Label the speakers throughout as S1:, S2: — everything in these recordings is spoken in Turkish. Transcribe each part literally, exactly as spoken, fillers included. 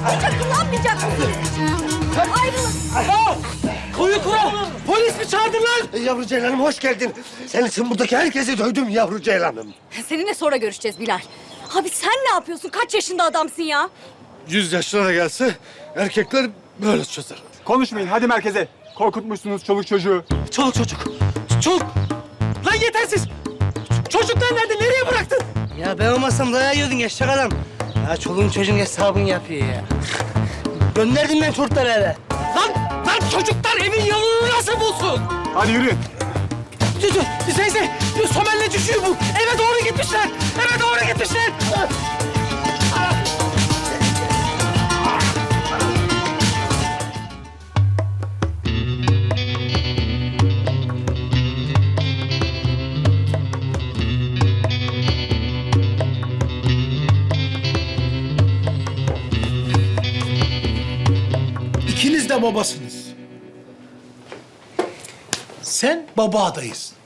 S1: Hiç akıllanmayacak mısınız? Ayrılın.
S2: Aa! Koyu kural! Polis mi çağırdılar?
S3: Yavru Ceylan'ım hoş geldin. Senin için buradaki herkesi dövdüm yavru Ceylan'ım.
S1: Seninle sonra görüşeceğiz Bilal. Abi sen ne yapıyorsun? Kaç yaşında adamsın ya?
S3: Yüz yaşlara gelse erkekler böyle çözer.
S4: Konuşmayın, hadi merkeze. Korkutmuşsunuz çoluk çocuğu.
S2: Çoluk çocuk. Çoluk. Lan yetersiz. Çocuklar nerede? Nereye bıraktın?
S5: Ya ben olmasam dayağı yiyordun eşek adam. Ya çoluğun çocuğun hesabını yapıyor ya. Gönderdim ben çocukları eve.
S2: Lan, lan çocuklar evin yolunu nasıl bulsun?
S4: Hadi yürüyün.
S2: Zeyze, Somer'le düşüyor bu. Eve doğru gitmişler. Eve doğru gitmişler.
S6: İkiniz de babasınız. Sen baba adayısın.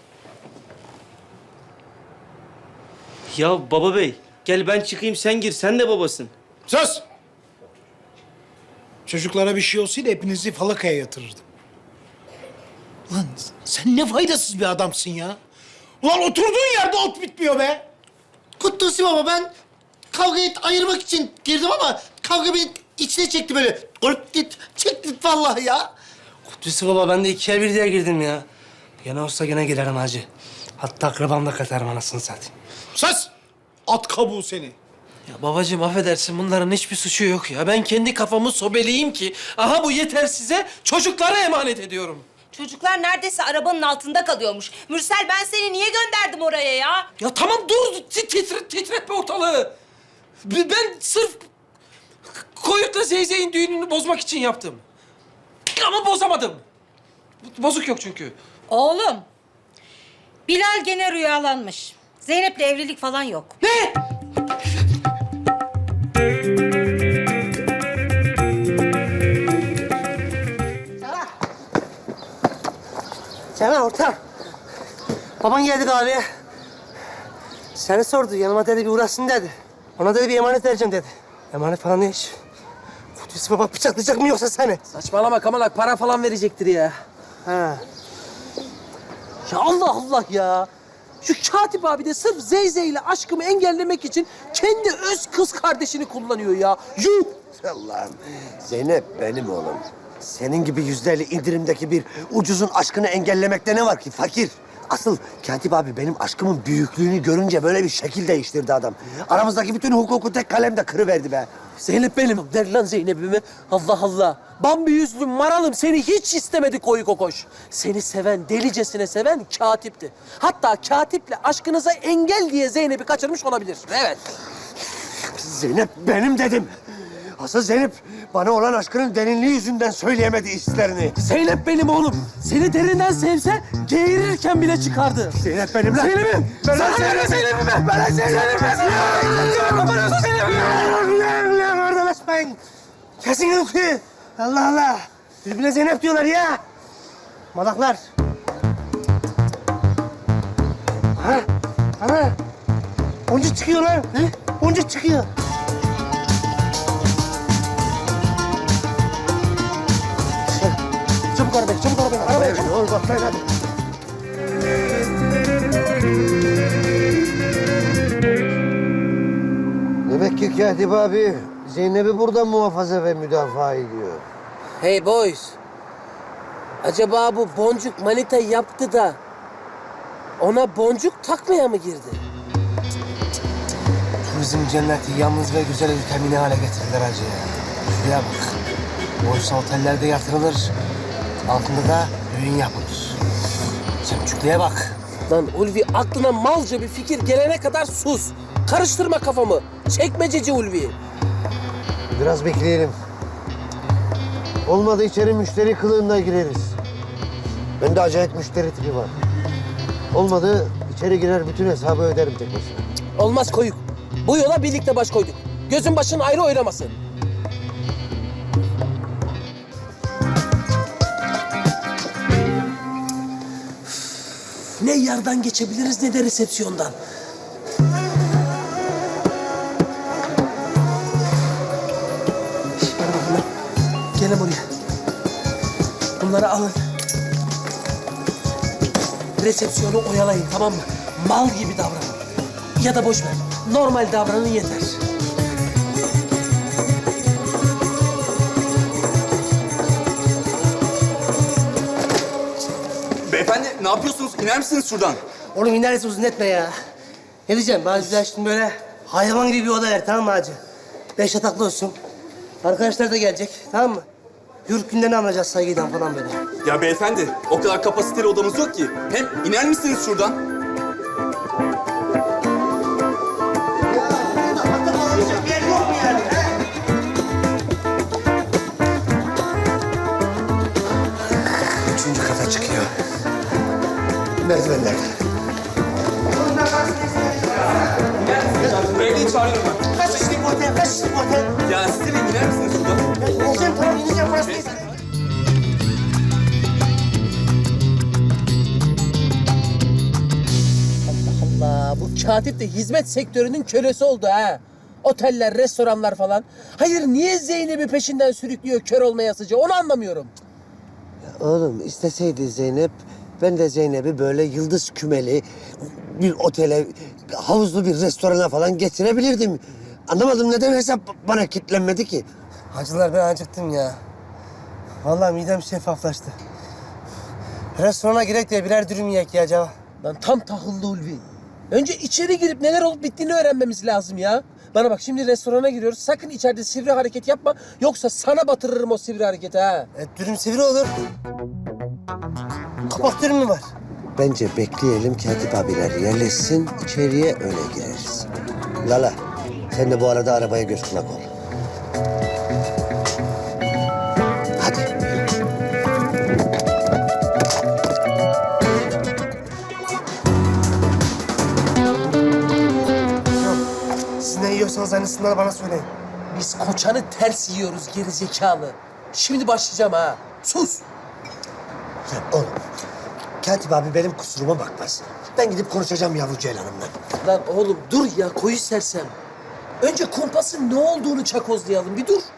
S5: Ya baba bey, gel ben çıkayım sen gir. Sen de babasın.
S6: Sus! Çocuklara bir şey olsaydı hepinizi falakaya yatırırdım. Ulan sen ne faydasız bir adamsın ya. Ulan oturduğun yerde ot bitmiyor be.
S7: Kutlusu baba, ben kavgayı ayırmak için girdim ama kavga beni içine çekti böyle. Korkut, çekti vallahi ya.
S5: Kutlusu baba, ben de ikiye bir diye girdim ya. Gene olsa gene girerim hacı. Hatta akrabam da katarım anasını satayım.
S6: Sus! At kabuğu seni.
S8: Ya babacığım affedersin, bunların hiçbir suçu yok ya. Ben kendi kafamı sobeleyeyim ki aha bu yeter size, çocuklara emanet ediyorum.
S9: Çocuklar neredeyse arabanın altında kalıyormuş. Mürsel, ben seni niye gönderdim oraya ya?
S8: Ya tamam dur, ti- titre, titretme ortalığı. B- Ben sırf Koyut'la Zeyzey'in düğününü bozmak için yaptım. Ama bozamadım. Bozuk yok çünkü.
S9: Oğlum, Bilal gene rüyalanmış. Zeynep'le evlilik falan yok.
S8: Ne?
S5: Cemal ortam. Baban geldi kahveye. Seni sordu. Yanıma dedi bir uğraşsın dedi. Ona dedi bir emanet vereceğim dedi. Emanet falan ne iş? Kudüs baba bıçaklayacak mı yoksa seni?
S8: Saçmalama Kamalak, para falan verecektir ya.
S5: Ha.
S8: Ya Allah Allah ya. Şu Katip abi de sırf Zeyze ile aşkımı engellemek için kendi öz kız kardeşini kullanıyor ya. Yuh!
S3: Allah'ım. Zeynep benim oğlum. Senin gibi yüzlerle indirimdeki bir ucuzun aşkını engellemekte ne var ki fakir? Asıl Katip abi benim aşkımın büyüklüğünü görünce böyle bir şekil değiştirdi adam. Aramızdaki bütün hukuku tek kalemde kırıverdi be.
S8: Zeynep benim. Der lan Zeynep'imi. Allah Allah. Bambi yüzlü maralım seni hiç istemedi koyu kokoş. Seni seven, delicesine seven Katip'ti. Hatta Katip'le aşkınıza engel diye Zeynep'i kaçırmış olabilir. Evet.
S3: Zeynep benim dedim. Asıl Zeynep bana olan aşkının derinliği yüzünden söyleyemedi hislerini.
S8: Zeynep benim oğlum. Seni derinden sevse geğirirken bile çıkardı.
S3: Zeynep benim lan.
S8: Zeynep'im.
S3: Ben
S8: Sana verme Zeynep'imi.
S3: Ben Zeynep'im.
S8: Zeynep'imi. Zeynep'imi.
S3: Lan oradan açmayın. Kesin okuyu. Allah Allah. Birbirine Zeynep diyorlar ya. Malaklar. Ha? Ana. Boncuk çıkıyor lan. Ne? Boncuk çıkıyor.
S5: Çabuk arabaya, çabuk arabaya. Arabaya çabuk.
S3: Ol baklayın hadi. Demek ki Katip abi Zeynep'i burada muhafaza ve müdafaa ediyor.
S8: Hey boys. Acaba bu boncuk manita yaptı da ona boncuk takmaya mı girdi?
S5: Turizm cenneti yalnız ve güzel ülkemi ne hale getirdiler hacı ya. Şuraya bak. Oysa otellerde yatırılır. Altında da düğün yapılır. Çemçüklüğe bak.
S8: Lan Ulvi, aklına malca bir fikir gelene kadar sus. Karıştırma kafamı. Çekmececi Ulvi.
S3: Biraz bekleyelim. Olmadı içeri müşteri kılığında gireriz. Bende acayip müşteri tipi var. Olmadı içeri girer bütün hesabı öderim tek başına.
S8: Olmaz Koyuk. Bu yola birlikte baş koyduk. Gözün başın ayrı oynamasın. Ne yardan geçebiliriz ne de resepsiyondan. Gelin buraya. Bunları alın. Resepsiyonu oyalayın, tamam mı? Mal gibi davranın. Ya da boş ver. Normal davranın yeter.
S10: Beyefendi ne yapıyorsunuz? İner misiniz şuradan?
S5: Oğlum inerse uzun etme ya. Ne diyeceğim? Bana güzel şimdi böyle hayvan gibi bir oda ver, tamam mı hacı? Beş yataklı olsun. Arkadaşlar da gelecek, tamam mı? Yurt günlerini anlayacağız saygıdan falan böyle.
S10: Ya beyefendi o kadar kapasiteli odamız yok ki. Hem iner misiniz şuradan?
S3: Üçüncü kata çıkıyor. Merdivenler.
S10: Beyliği çağırıyorum ben.
S5: Kaç kişilik otel, kaç kişilik otel?
S10: Ya siz de iner misiniz şuradan?
S5: Ya ineceğim, tamam ineceğim, burası değil.
S8: Allah, bu katip de hizmet sektörünün kölesi oldu ha. Oteller, restoranlar falan. Hayır, niye Zeynep'i peşinden sürüklüyor kör olmayasıca? Onu anlamıyorum.
S3: Oğlum isteseydi Zeynep, ben de Zeynep'i böyle yıldız kümeli bir otele, havuzlu bir restorana falan getirebilirdim. Anlamadım neden hesap bana kilitlenmedi ki?
S5: Hacılar ben acıktım ya. Vallahi midem şeffaflaştı. Restorana girek de birer dürüm yiyek ya acaba.
S8: Lan tam tahıllı Ulvi. Önce içeri girip neler olup bittiğini öğrenmemiz lazım ya. Bana bak, şimdi restorana giriyoruz. Sakın içeride sivri hareket yapma. Yoksa sana batırırım o sivri hareketi ha.
S5: E, dürüm sivri olur. Kapak dürüm mü var?
S3: Bence bekleyelim Katip abiler yerleşsin, içeriye öyle gireriz. Lala, sen de bu arada arabaya göz kulak ol. Hadi.
S5: Siz ne yiyorsanız aynısından bana söyleyin.
S8: Biz koçanı ters yiyoruz geri zekalı. Şimdi başlayacağım ha. Sus.
S3: Ya oğlum, Katip abi benim kusuruma bakmaz. Ben gidip konuşacağım yavru Ceylan'ımla.
S8: Lan oğlum dur ya, koyu sersem. Önce kumpasın ne olduğunu çakozlayalım, bir dur.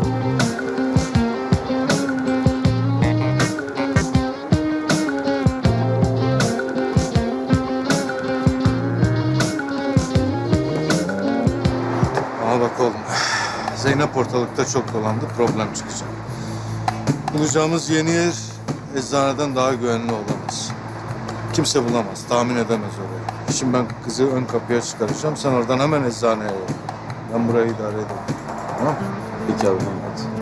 S11: Ama bak oğlum, Zeynep ortalıkta çok dolandı, problem çıkacak. Bulacağımız yeni yer eczaneden daha güvenli olamaz. Kimse bulamaz, tahmin edemez orayı. Şimdi ben kızı ön kapıya çıkaracağım, sen oradan hemen eczaneye yolla. Ben burayı idare ederim. Tamam mı?
S10: Peki abi hadi.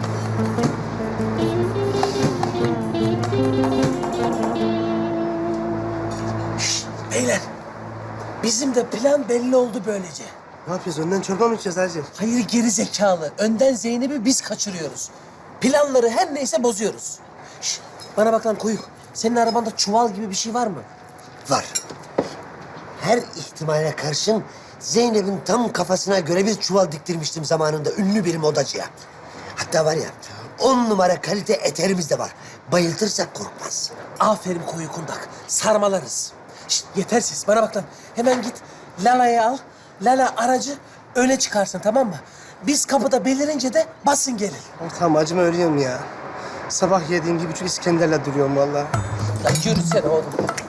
S8: Beyler, bizim de plan belli oldu böylece.
S5: Ne yapıyoruz? Önden çorba mı içeceğiz hacı?
S8: Hayır geri zekalı. Önden Zeynep'i biz kaçırıyoruz. Planları her neyse bozuyoruz. Şş, bana bak lan koyuk. Senin arabanda çuval gibi bir şey var mı?
S3: Var. Her ihtimale karşın Zeynep'in tam kafasına göre bir çuval diktirmiştim zamanında ünlü bir modacıya. Hatta var ya, on numara kalite eterimiz de var. Bayıltırsak korkmaz.
S8: Aferin koyu kundak. Sarmalarız. Şşt, yeter ses. Bana bak lan. Hemen git Lala'yı al. Lala aracı öne çıkarsın, tamam mı? Biz kapıda belirince de basın gelin.
S5: Tamam acıma ölüyorum ya. Sabah yediğim bir buçuk İskender'le duruyorum vallahi.
S8: Ya yürüsene oğlum.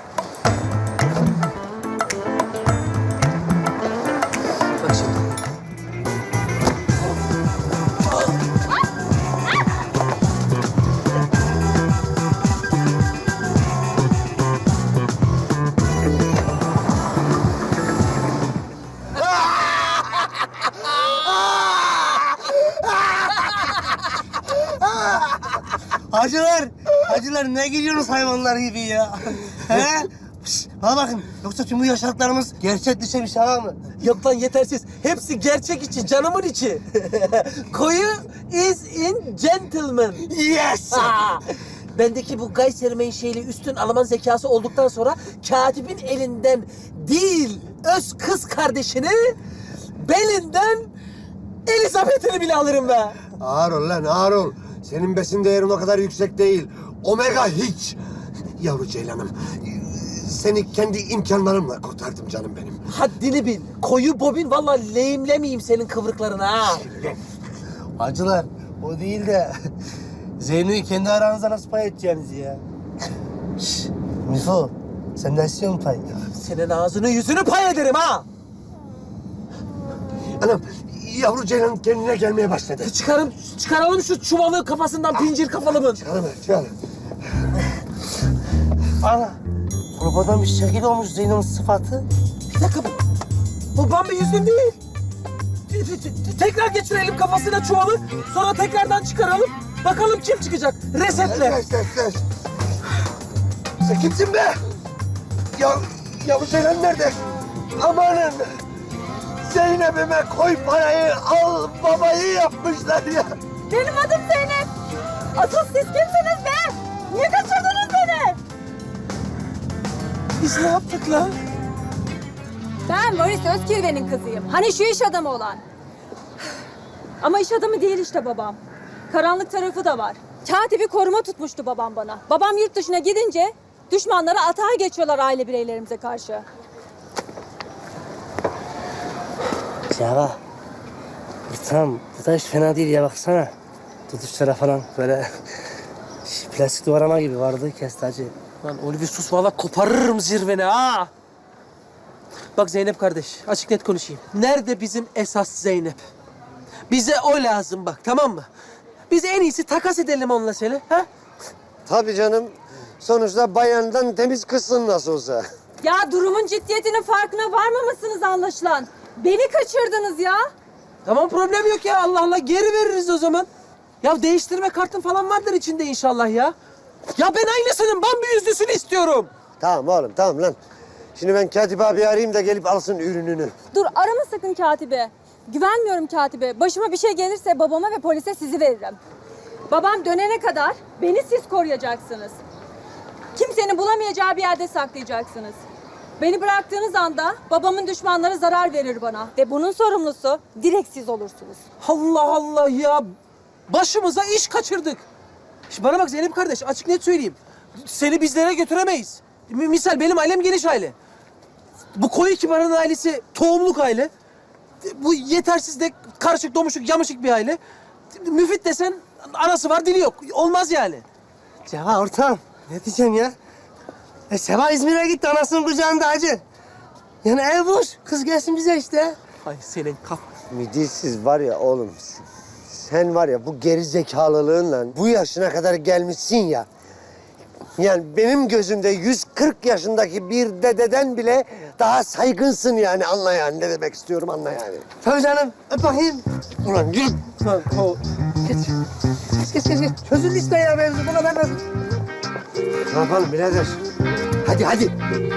S8: Bak şimdi.
S5: Hacılar, hacılar ne geliyorsunuz hayvanlar gibi ya? He? Şş, bana bakın, yoksa tüm bu yaşadıklarımız gerçek dışı bir şey var mı?
S8: Yok lan yetersiz. Hepsi gerçek içi, canımın içi. Koyu is in gentleman.
S5: Yes!
S8: Ha! Bendeki bu Gayser menşeli üstün Alman zekası olduktan sonra katibin elinden değil, öz kız kardeşini belinden Elizabeth'ini bile alırım be.
S3: Ağır ol lan, ağır ol. Senin besin değerin o kadar yüksek değil. Omega hiç. Yavru Ceylan'ım, seni kendi imkanlarımla kurtardım canım benim.
S8: Haddini bil. Koyu bobin vallahi lehimlemeyeyim senin kıvrıklarını ha.
S5: Hacılar, O değil de Zeyno'yu kendi aranızda nasıl pay edeceğiniz ya? Şşş, Mifo, sen de istiyor musun pay?
S8: Senin ağzını yüzünü pay ederim ha!
S3: Anam, yavru Ceylan kendine gelmeye başladı.
S8: Çıkarım, çıkaralım şu çuvalı kafasından pincir kafalımın.
S3: Çıkalım, çıkalım.
S5: Ana, kurbadan bir şekil olmuş Zeyno'nun sıfatı.
S8: Bir dakika bu. Bu Bambi yüzlüm değil. Te- te- te- Tekrar geçirelim kafasına çuvalı. Sonra tekrardan çıkaralım. Bakalım kim çıkacak. Resetle.
S3: Ses, ses, ses. Sen kimsin be? Ya, yavru Ceylan nerede? Amanın! Zeynep'ime koy parayı, al babayı yapmışlar ya.
S1: Benim adım Zeynep. Asıl siz kimsiniz be? Niye kaçırdınız beni?
S8: Biz ne yaptık lan?
S1: Ben Boris Özkirve'nin kızıyım. Hani şu iş adamı olan. Ama iş adamı değil işte babam. Karanlık tarafı da var. Katibi koruma tutmuştu babam bana. Babam yurt dışına gidince düşmanlara atağa geçiyorlar aile bireylerimize karşı.
S5: Ya tamam, bu da hiç fena değil ya baksana. Tutuşlara falan böyle plastik duvarama gibi vardı kesti hacı.
S8: Lan Ulvi sus valla koparırım zirveni ha. Bak Zeynep kardeş açık net konuşayım. Nerede bizim esas Zeynep? Bize o lazım bak tamam mı? Biz en iyisi takas edelim onunla seni ha?
S3: Tabii canım. Sonuçta bayandan temiz kızsın nasıl olsa.
S1: Ya durumun ciddiyetinin farkına varmamışsınız anlaşılan. Beni kaçırdınız ya.
S8: Tamam problem yok ya Allah Allah geri veririz o zaman. Ya değiştirme kartın falan vardır içinde inşallah ya. Ya ben aynısının Bambi yüzlüsünü istiyorum.
S3: Tamam oğlum, tamam lan. Şimdi ben Katip abi arayayım da gelip alsın ürününü.
S1: Dur arama sakın katibe. Güvenmiyorum katibe. Başıma bir şey gelirse babama ve polise sizi veririm. Babam dönene kadar beni siz koruyacaksınız. Kimsenin bulamayacağı bir yerde saklayacaksınız. Beni bıraktığınız anda babamın düşmanları zarar verir bana. Ve bunun sorumlusu direkt siz olursunuz.
S8: Allah Allah ya. Başımıza iş kaçırdık. Şimdi bana bak Zeynep kardeş açık net söyleyeyim. Seni bizlere götüremeyiz. M- Misal benim ailem geniş aile. Bu koyu kibarın ailesi tohumluk aile. Bu yetersiz de karışık, domuşuk, yamışık bir aile. Müfit desen anası var, dili yok. Olmaz yani.
S5: Ceva ortam, ne diyeceğim ya? E Seva İzmir'e gitti, anasının kucağında hacı. Yani ev boş, kız gelsin bize işte.
S8: Ay senin kaf...
S3: Midilsiz var ya oğlum. Sen var ya bu geri zekalılığınla bu yaşına kadar gelmişsin ya. Yani benim gözümde yüz kırk yaşındaki bir dededen bile daha saygınsın yani. Anla yani ne demek istiyorum, anla yani.
S5: Tabii canım, öp bakayım.
S3: Ulan yürü.
S5: Tamam, o. Geç. Geç, geç, geç. Çözüldü işte ya mevzu, bu kadar basit.
S3: Ne yapalım birader? Hadi hadi.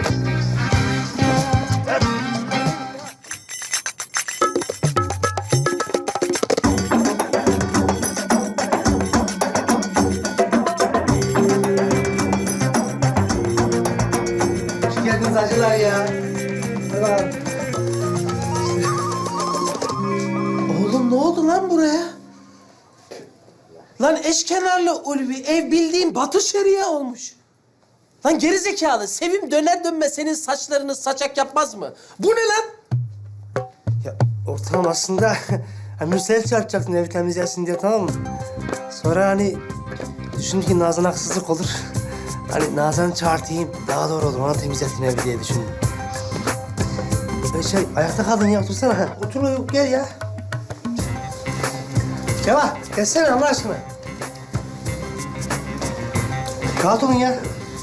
S5: Hoş geldiniz hacılar ya. Hadi bakalım.
S8: Oğlum ne oldu lan buraya? Lan eşkenarlı Ulvi ev bildiğin Batı Şeria olmuş. Lan gerizekalı Sevim döner dönmez senin saçlarını saçak yapmaz mı? Bu ne lan?
S5: Ya ortam aslında hani Mürsel çarpacaktın evi temizlesin diye, tamam mı? Sonra hani düşündüm ki Nazan haksızlık olur. Hani Nazan'ı çağırtayım daha doğru olur, ona temizletin evi diye düşündüm. E şey ayakta kaldın ya, otursana. Otur gel ya. Ceva gelsene Allah aşkına. Rahat olun ya.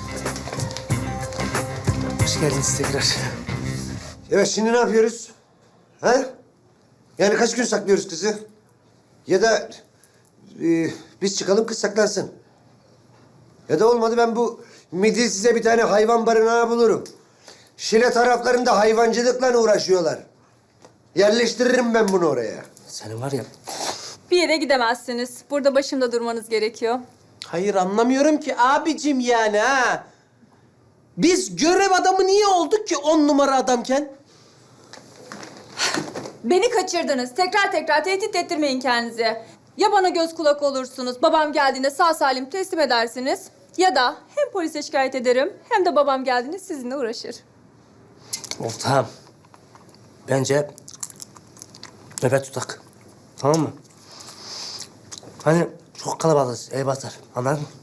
S5: Hoş geldiniz tekrar.
S3: Evet şimdi ne yapıyoruz? Ha? Yani kaç gün saklıyoruz kızı? Ya da e, biz çıkalım kız saklansın. Ya da olmadı ben bu midilsize bir tane hayvan barınağı bulurum. Şile taraflarında hayvancılıkla uğraşıyorlar. Yerleştiririm ben bunu oraya.
S5: Senin var ya.
S1: Bir yere gidemezsiniz. Burada başımda durmanız gerekiyor.
S8: Hayır anlamıyorum ki abicim yani ha. Biz görev adamı niye olduk ki on numara adamken?
S1: Beni kaçırdınız. Tekrar tekrar tehdit ettirmeyin kendinizi. Ya bana göz kulak olursunuz, babam geldiğinde sağ salim teslim edersiniz. Ya da hem polise şikayet ederim hem de babam geldiğinde sizinle uğraşır.
S5: Ortağım. Bence nöbet tutak. Tamam mı? Hani çok kalabalığız, ev batar. Anladın mı?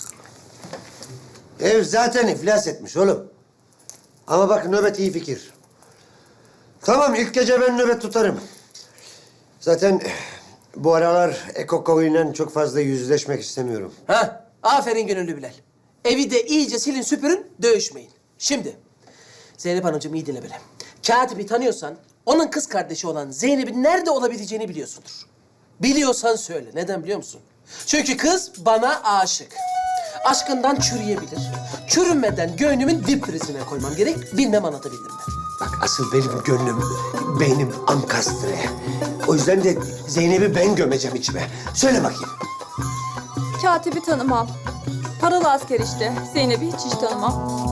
S3: Ev zaten iflas etmiş oğlum. Ama bak nöbet iyi fikir. Tamam ilk gece ben nöbet tutarım. Zaten bu aralar Eko ile çok fazla yüzleşmek istemiyorum.
S8: Ha, aferin gönüllü Bilal. Evi de iyice silin süpürün, dövüşmeyin. Şimdi, Zeynep Hanımcığım iyi dinle beni. Katibi tanıyorsan, onun kız kardeşi olan Zeynep'in nerede olabileceğini biliyorsundur. Biliyorsan söyle. Neden biliyor musun? Çünkü kız bana aşık. Aşkından çürüyebilir. Çürümeden göğnümün dip prizine koymam gerek. Bilmem anlatabildim mi?
S3: Bak asıl benim gönlüm, beynim ankastre. O yüzden de Zeynep'i ben gömeceğim içime. Söyle bakayım.
S1: Katibi tanımam. Paralı asker işte. Zeynep'i hiç hiç tanımam.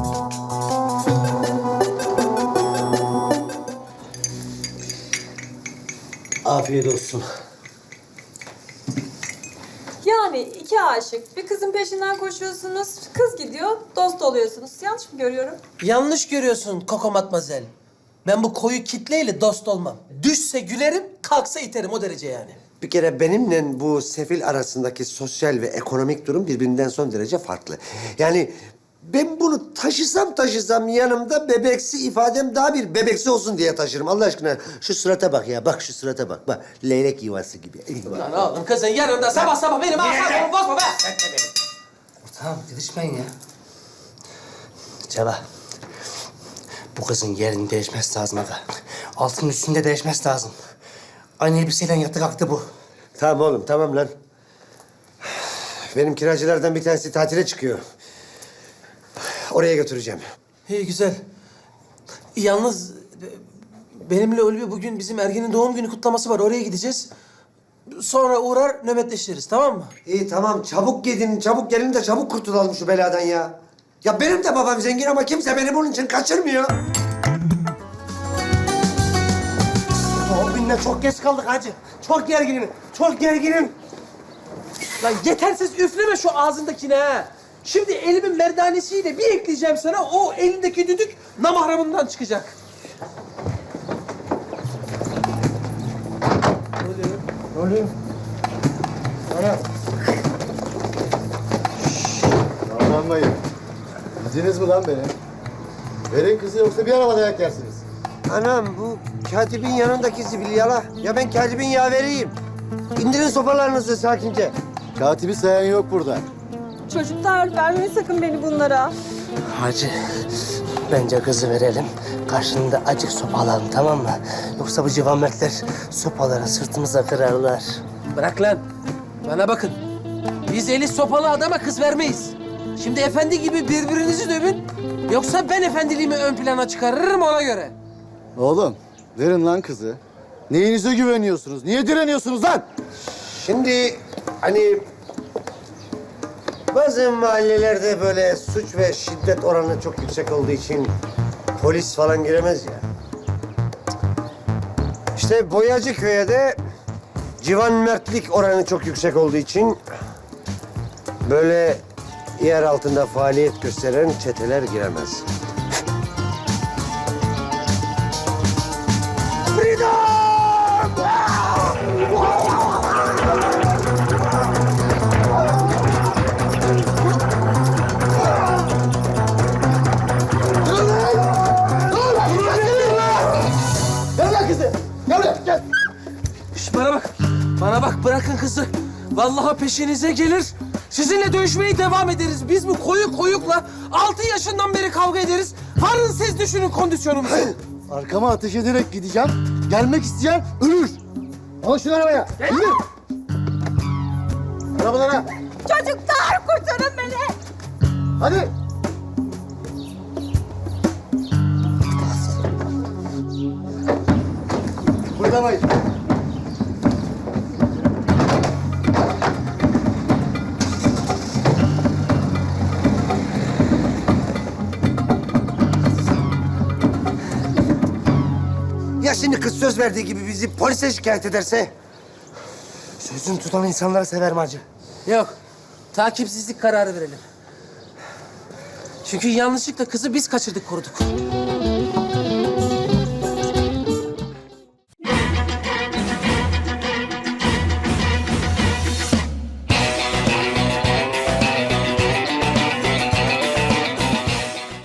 S3: Afiyet olsun.
S1: Yani iki aşık. Bir kızın peşinden koşuyorsunuz. Kız gidiyor, dost oluyorsunuz. Yanlış mı görüyorum?
S8: Yanlış görüyorsun Koko Matmazel. Ben bu koyu kitleyle dost olmam. Düşse gülerim, kalksa iterim o derece yani.
S3: Bir kere benimle bu sefil arasındaki sosyal ve ekonomik durum birbirinden son derece farklı. Yani ben bunu taşısam taşısam yanımda bebeksi ifadem daha bir bebeksi olsun diye taşırım. Allah aşkına şu surata bak ya. Bak şu surata bak. Bak leylek yuvası gibi.
S8: Lan oğlum kızın yanında sabah sabah benim asabımı bozma be.
S5: Tamam, didişmeyin ya. Ceva, bu kızın yerini değişmesi lazım aga. Altının üstünde değişmesi lazım. Aynı elbiseyle yattı kalktı bu.
S3: Tamam oğlum tamam lan. Benim kiracılardan bir tanesi tatile çıkıyor. Oraya götüreceğim.
S8: İyi güzel. Yalnız e, benimle Ulvi bugün bizim Ergin'in doğum günü kutlaması var. Oraya gideceğiz. Sonra uğrar nöbetleşiriz tamam mı?
S3: İyi tamam çabuk gidin, çabuk gelin de çabuk kurtulalım şu beladan ya. Ya benim de babam zengin ama kimse beni bunun için kaçırmıyor.
S5: Doğum gününe çok geç kaldık hacı. Çok gerginim, çok gerginim.
S8: Lan yetersiz üfleme şu ağzındakine ha. Şimdi elimin merdanesiyle bir ekleyeceğim sana. O elindeki düdük namahramından çıkacak.
S3: Ne oluyor?
S11: Davranmayın. Bildiniz mi lan beni? Verin kızı yoksa bir araba dayak yersiniz.
S3: Anam bu katibin yanındaki zibilyala. Ya ben katibin yaveriyim. İndirin sopalarınızı sakince.
S11: Katibi sayan yok burada.
S1: Çocuklar vermeyin sakın beni bunlara.
S5: Hacı, bence kızı verelim. Karşında acık sopa alalım tamam mı? Yoksa bu civametler sopaları sırtımıza kırarlar.
S8: Bırak lan. Bana bakın. Biz eli sopalı adama kız vermeyiz. Şimdi efendi gibi birbirinizi dövün. Yoksa ben efendiliğimi ön plana çıkarırım ona göre.
S11: Oğlum verin lan kızı. Neyinize güveniyorsunuz? Niye direniyorsunuz lan?
S3: Şimdi hani bazı mahallelerde böyle suç ve şiddet oranı çok yüksek olduğu için polis falan giremez ya. İşte Boyacıköy'e de civan mertlik oranı çok yüksek olduğu için böyle yer altında faaliyet gösteren çeteler giremez.
S8: Şş, bana bak. Bana bak bırakın kızı. Vallahi peşinize gelir. Sizinle dövüşmeye devam ederiz. Biz bu koyu koyukla altı yaşından beri kavga ederiz. Varın siz düşünün kondisyonumuzu.
S11: Arkama ateş ederek gideceğim. Gelmek isteyen ölür. Al şunu arabaya. Yürü. Arabalara.
S1: Çocuklar kurtarın beni.
S11: Hadi. Buradamayız.
S3: Ya şimdi kız söz verdiği gibi bizi polise şikayet ederse?
S5: Sözünü tutan insanları severim hacı.
S8: Yok. Takipsizlik kararı verelim. Çünkü yanlışlıkla kızı biz kaçırdık koruduk.